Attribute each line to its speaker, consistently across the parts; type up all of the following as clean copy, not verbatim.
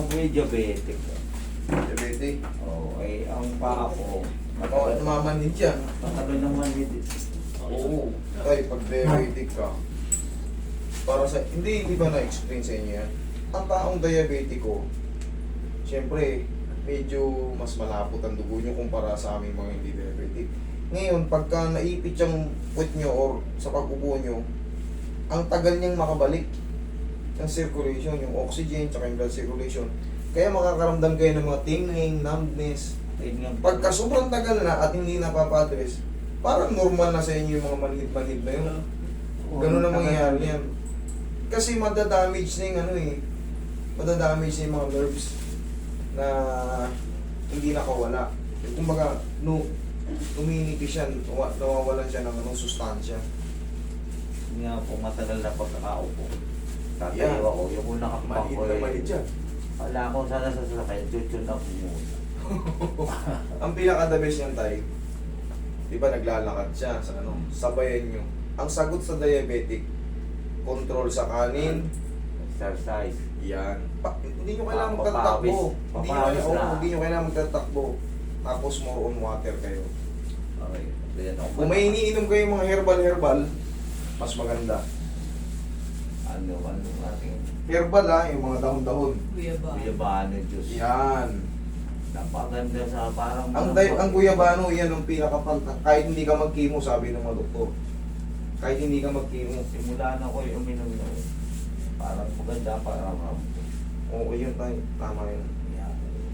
Speaker 1: may diabetic.
Speaker 2: Diabetic.
Speaker 1: Oo, ang paa ko,
Speaker 2: Oo, namamanid yan.
Speaker 1: matagal naman din.
Speaker 2: Oo. Tay, pag diabetic ka, para sa, hindi ba na-explain sa inyo yan? Ang taong diabetico, siyempre, medyo mas malapot ang dugo nyo kumpara sa aming mga hindi diabetic. Ngayon, pagka naipit yung foot nyo or sa pag-upo nyo, ang tagal niyang makabalik ng circulation, yung oxygen, tsaka yung blood circulation. Kaya makakaramdam kayo ng mga tingling, numbness. Pagka sobrang tagal na at hindi napapadres, parang normal na sa inyo yung mga manhid-manhid na yun. Ganun ang mangyayari yan. Kasi madadamage na yung madadamage na yung mga nerves na hindi nakawala. Kumbaga, uminipis siya, nawawalan siya ng sustansya.
Speaker 1: Nga po, matagal na pagkakaupo.
Speaker 2: Yan.
Speaker 1: Tatayo ako, yung kung nakapag
Speaker 2: Manhid
Speaker 1: ko
Speaker 2: na manhid yan.
Speaker 1: wala akong sana sasakay, chuchun na po muna.
Speaker 2: Ang pinaka-the best niyan tayo, di ba naglalakad siya sa sabayan nyo. Ang sagot sa diabetic, control sa kanin,
Speaker 1: Exercise.
Speaker 2: yan. Hindi nyo kailangan
Speaker 1: Papawis.
Speaker 2: magtatakbo.
Speaker 1: Papawis na.
Speaker 2: Hindi nyo kailangan magtatakbo. Tapos more on water kayo.
Speaker 1: Okay. Ganyan ako.
Speaker 2: Kung may iniinom kayo mga herbal, mas maganda.
Speaker 1: Ano ating
Speaker 2: Herbal yung mga dahon-dahon.
Speaker 1: guyabano juice.
Speaker 2: Yan.
Speaker 1: Napaganda sa parang...
Speaker 2: Ang guyabano, yan ang kahit hindi ka mag-chemo, sabi ng mga doktor. Kahit hindi ka mag-chemo.
Speaker 1: Simula na ko yung uminom na yun. Parang maganda, parang
Speaker 2: Oo, yun tayo. Tama yun.
Speaker 1: yan.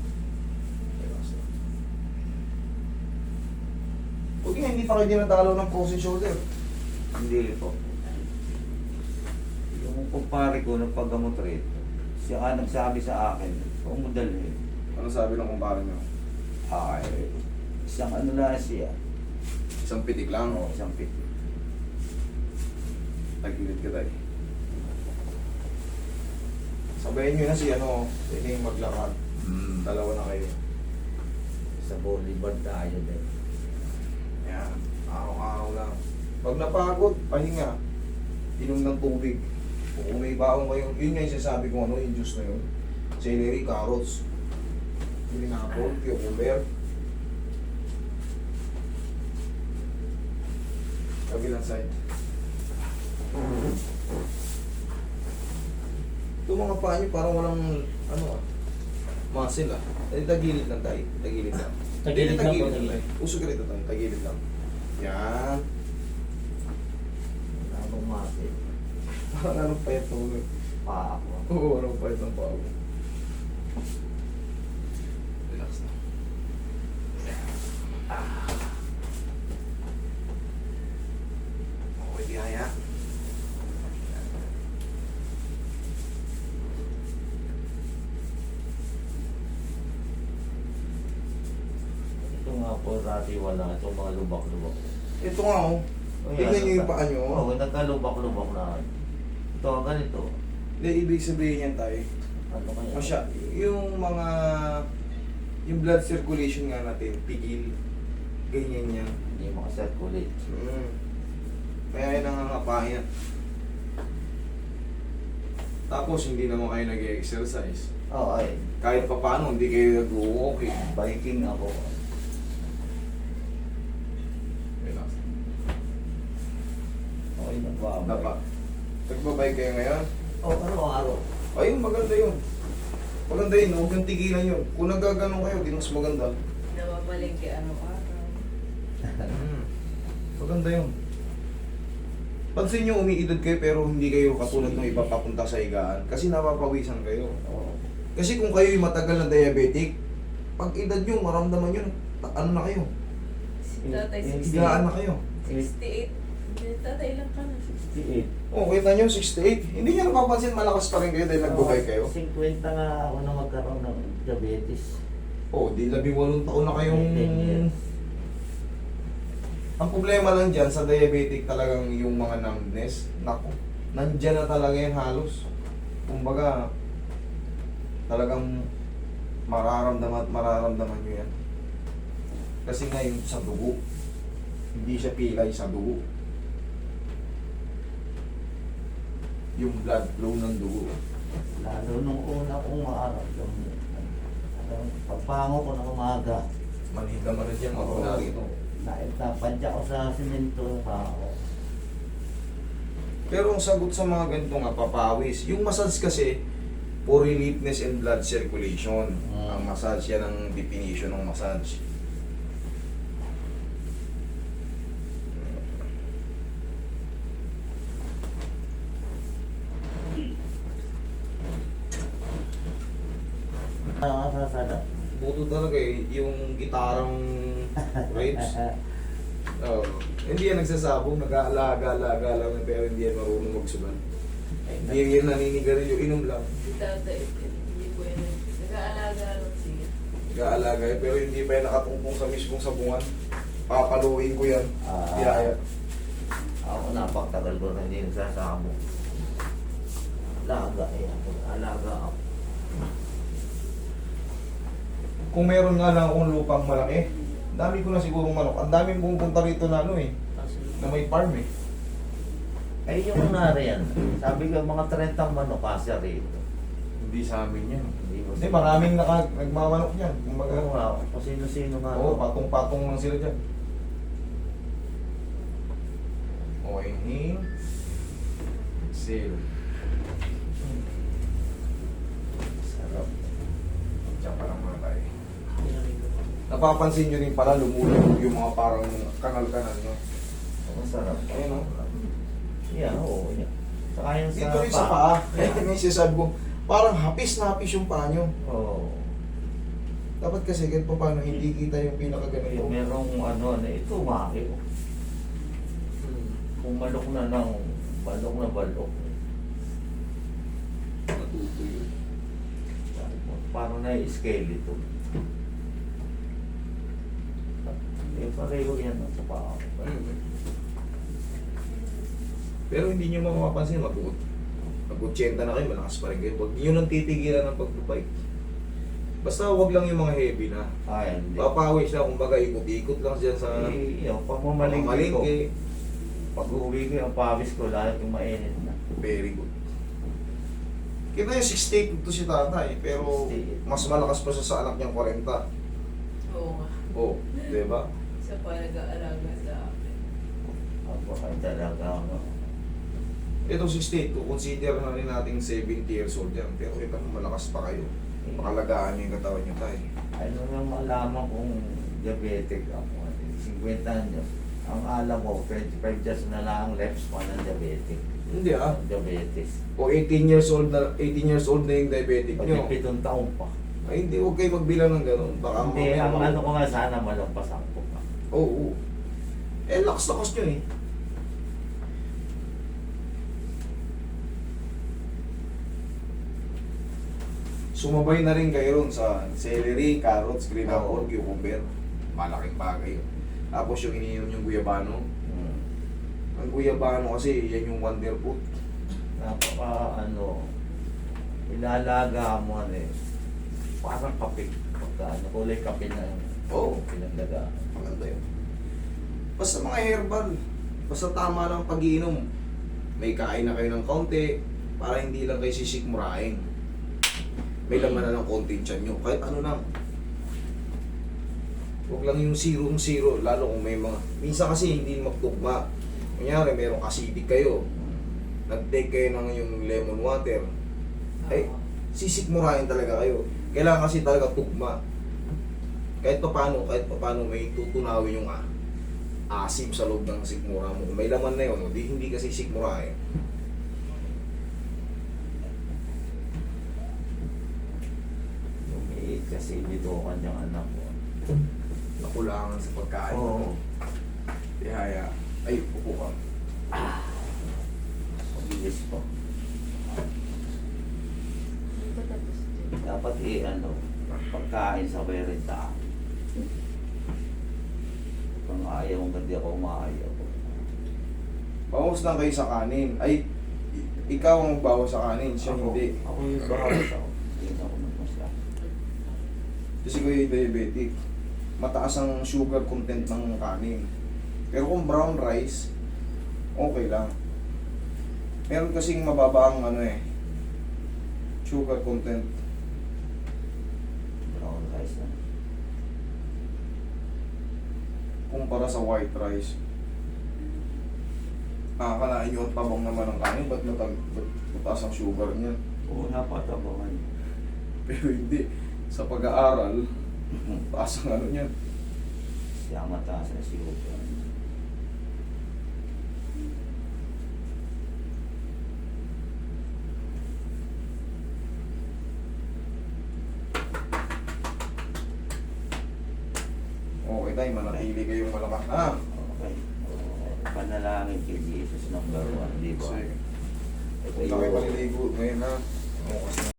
Speaker 2: Buti nga, hindi pa kayo dinadalaw ng frozen shoulder.
Speaker 1: Hindi po. Yung kumpare ko ng paggamot rito, siya ka nagsabi sa akin, kung mo dalhin.
Speaker 2: Ano sabi ng kumpara nyo?
Speaker 1: Ay, isang ano na siya.
Speaker 2: Isang pitik lang.
Speaker 1: Ano, isang pit.
Speaker 2: Tagilid ka tayo. Sabayan nyo na si pwede yung maglakad. Dalawa na kayo.
Speaker 1: Sa Boulevard tayo din.
Speaker 2: Yan. Araw-araw lang. Pag napagod, pahinga. Inom ng tubig. Kung may baong kayo, yun nga yung sinasabi ko yung juice na yun. Celery, carrots. Pineapple, cucumber. Kabilang side. Itong mga paa nyo parang walang muscle tagilid lang tayo. Tagilid lang.
Speaker 3: Tagilid lang po,
Speaker 2: tayo. Usog ka rito tayo. Tagilid lang. Yan.
Speaker 1: Anong mati?
Speaker 2: Parang anong payat mo.
Speaker 1: Pa ako.
Speaker 2: Oo, anong payat ng paa mo. Relax na. Okay, biyaya.
Speaker 1: Ito nga po dati wala. Itong mga lubak-lubak.
Speaker 2: Ito nga tingnan nyo yung paa nyo.
Speaker 1: Oo, nagkalubak-lubak na. Ito, ganito.
Speaker 2: Hindi, ibig sabihin yan tayo.
Speaker 1: Ano kaya?
Speaker 2: Yung blood circulation nga natin, pigil. Ganyan yan.
Speaker 1: Hindi makasirculate.
Speaker 2: Kaya yun ang nangangapayan. Tapos hindi naman kayo nag-exercise.
Speaker 1: Oo, ay.
Speaker 2: Kahit pa paano, hindi kayo nag-walking.
Speaker 1: Biking ako.
Speaker 2: Relax.
Speaker 1: Okay, nagbabay.
Speaker 2: Dapat. Nagbabay kayo ngayon?
Speaker 1: Oo, araw-araw.
Speaker 2: Ayun, maganda yun. Maganda yun, huwag kang tigilan yun. Kung nagaganon kayo, di mas maganda.
Speaker 4: Nababalengke araw-araw.
Speaker 2: Maganda yun. Pansin nyo, umiidad kayo pero hindi kayo katulad ng iba papunta sa higaan. Kasi napapawisan kayo.
Speaker 1: Oo.
Speaker 2: Kasi kung kayo yung matagal na diabetic, pag edad nyo, maramdaman nyo, ano na kayo?
Speaker 4: Si tatay
Speaker 2: Higaan na kayo.
Speaker 4: 68. Tatay lang ka na.
Speaker 1: 68.
Speaker 2: Oh, kita nyo, 68. Hindi nyo napapansin, malakas pa rin kayo dahil nagbubay kayo.
Speaker 1: 50 nga ako na magkaroon ng diabetes.
Speaker 2: Oh, di 18 taon na kayong...
Speaker 1: 10 years.
Speaker 2: Ang problema lang dyan sa diabetic talagang yung mga numbness. Naku, nandyan na talaga yan halos. Kumbaga, talagang mararamdaman nyo yan. Kasi nga yung sa dugo, hindi siya pilay sa dugo. Yung blood flow ng dugo.
Speaker 1: Lalo nung una kong maaraw, yung Yung pagpango ko ng umaga,
Speaker 2: Manhid naman rin yan, magmula rito.
Speaker 1: napadya ko sa simento yung pako.
Speaker 2: Pero ang sagot sa mga ganito nga, papawis. Yung massage kasi, for reliefness and blood circulation. Ang massage, yan ang definition ng massage.
Speaker 1: Nakakasasada.
Speaker 2: Buto talaga eh, yung gitarang ribs. Oh, hindi yan nagsasabong, nag-aalaga-alaga lang yan, pero hindi yan marunong magsugal. Hindi yan naninigarilyo, inom lang.
Speaker 4: Si tatay, hindi po yan. Nag-aalaga lang siya.
Speaker 2: Nag-aalaga yan, pero hindi pa yan nakatungkong sa mismong sabungan. Papaluin ko yan. Yaya.
Speaker 1: Ako napaktagal ko na hindi nagsasabong. Alaga eh ako. Alaga ako.
Speaker 2: Kung meron nga lang akong lupang malaki, ang dami ko na sigurong manok. Ang daming pumupunta rito na ano eh, na may farm eh.
Speaker 1: Ay yung kunwari yan. Sabi ko mga 30 manok kasya rito.
Speaker 2: Hindi sa amin yan.
Speaker 1: Hindi mo
Speaker 2: Hindi, maraming nagmamanok yan. Kumbaga,
Speaker 1: Oo nga. Kung sino-sino nga.
Speaker 2: oo, patong-patong lang sila dyan. Okay, inhale. Exhale.
Speaker 1: Sarap.
Speaker 2: Diyan pa lang muna tayo. Napapansin nyo rin pala lumulog yung mga parang kanal-kanal nyo.
Speaker 1: Ang sarap.
Speaker 2: Ayun, oh.
Speaker 1: Yeah, oo. Yeah. Saka yung sa
Speaker 2: Dito rin sa paa. Kaya may sinasabi ko, parang hapis na hapis yung paa nyo.
Speaker 1: Oo.
Speaker 2: Dapat kasi kahit pa paano hindi kita yung pinakaganito.
Speaker 1: Yung merong ano na ito, maki. Kung balok na lang, balok na balok.
Speaker 2: Natutuyo.
Speaker 1: Parang na-skeleton. Eh, pareho yan sa paa.
Speaker 2: Pero hindi nyo mapapansin, mag-80 na kayo, malakas pa rin kayo. Huwag nyo nang titigilan ng pagbabike. Basta huwag lang yung mga heavy na.
Speaker 1: Ay, hindi.
Speaker 2: Papawis na, kumbaga ikot-ikot lang dyan sa
Speaker 1: Yung pagmamalingki ko,
Speaker 2: malingki.
Speaker 1: pag uwi ko yung pawis ko, lahat yung mainit na.
Speaker 2: Very good. Kita yung 68 to si tatay, pero
Speaker 1: 68.
Speaker 2: mas malakas pa siya sa anak niyang 40.
Speaker 4: Oo nga.
Speaker 2: Oh, di ba?
Speaker 4: Siya pa nag-aalaga sa akin.
Speaker 1: Ako ay talaga, ano.
Speaker 2: Ito 68, consider na rin nating 70 years old yan. Pero ito malakas pa kayo. Makalagaan niyo yung katawan niyo tayo.
Speaker 1: Ano yung malaman kung diabetic ako. 50 anyos. Ang alam ko, 25 years na lang left span ng diabetic.
Speaker 2: Hindi ah.
Speaker 1: Diabetes.
Speaker 2: O 18 years old na yung diabetic nyo.
Speaker 1: 7 taon pa.
Speaker 2: Ay, hindi, huwag kayo magbilang ng gano'n. Baka
Speaker 1: Hindi,
Speaker 2: mamaya
Speaker 1: ang
Speaker 2: mag-
Speaker 1: ano ko nga sana malampasan ko pa.
Speaker 2: Oo. Eh, lakas nyo eh. Sumabay na rin kayo ron sa celery, carrots, green apple,
Speaker 1: Oo.
Speaker 2: cucumber. Malaking bagay yun. Tapos yung iniinom yung guyabano.
Speaker 1: Hmm.
Speaker 2: Ang guyabano kasi, yan yung wonder fruit.
Speaker 1: Ilalaga mo ano eh. Parang kape. Pagka ano, kulay kape na yung
Speaker 2: Oo.
Speaker 1: pinaglaga.
Speaker 2: Maganda yun. Basta mga herbal. Basta tama lang pag-iinom. May kain na kayo ng kaunti para hindi lang kayo sisikmurain. May laman na ng konti yung tiyan nyo. Kahit ano lang. Huwag lang yung zero, lalo kung may mga... Minsan kasi hindi magtugma. Kunyari, merong acidic kayo. Nag-take kayo ng yung lemon water. Ay, sisikmurain talaga kayo. Kailangan kasi talaga tugma. Kahit pa paano may tutunawin yung asim sa loob ng sikmura mo. Kung may laman na yun, hindi kasi sikmurain.
Speaker 1: Lumiit kasi dito ang kanyang anak ko.
Speaker 2: Nakulangan sa pagkain.
Speaker 1: Oo.
Speaker 2: Tihaya. Ay, upo ka.
Speaker 1: Mabilis pa.
Speaker 4: Hindi pa tapos din.
Speaker 1: Dapat pagkain sa berita. Kung ayaw kung hindi ako maayaw.
Speaker 2: Bawas lang kayo sa kanin. Ay, ikaw ang magbawas sa kanin, siya hindi.
Speaker 1: Ako yung bahawas ako. Hindi na ako nagmasya.
Speaker 2: Kasi ko yung diabetic. Mataas ang sugar content ng kanin. Pero kung brown rice, okay lang. Meron kasing mababa ang sugar content.
Speaker 1: Brown rice.
Speaker 2: kumpara sa white rice. Kalain nyo ang tabang naman ng kanin, ba't mataas ang sugar niyan?
Speaker 1: Oo, napatabangan.
Speaker 2: Pero hindi. Sa pag-aaral, taas ang ano niyan.
Speaker 1: Kaya mataas na sugar.
Speaker 2: Okay tayo, manatili kayong malakas na.
Speaker 1: Okay. Panalangin kay Jesus number 1, di ba?
Speaker 2: Sige.
Speaker 1: Ito
Speaker 2: Huwag na kayo
Speaker 1: yung
Speaker 2: maliligo ngayon ha. Bukas na.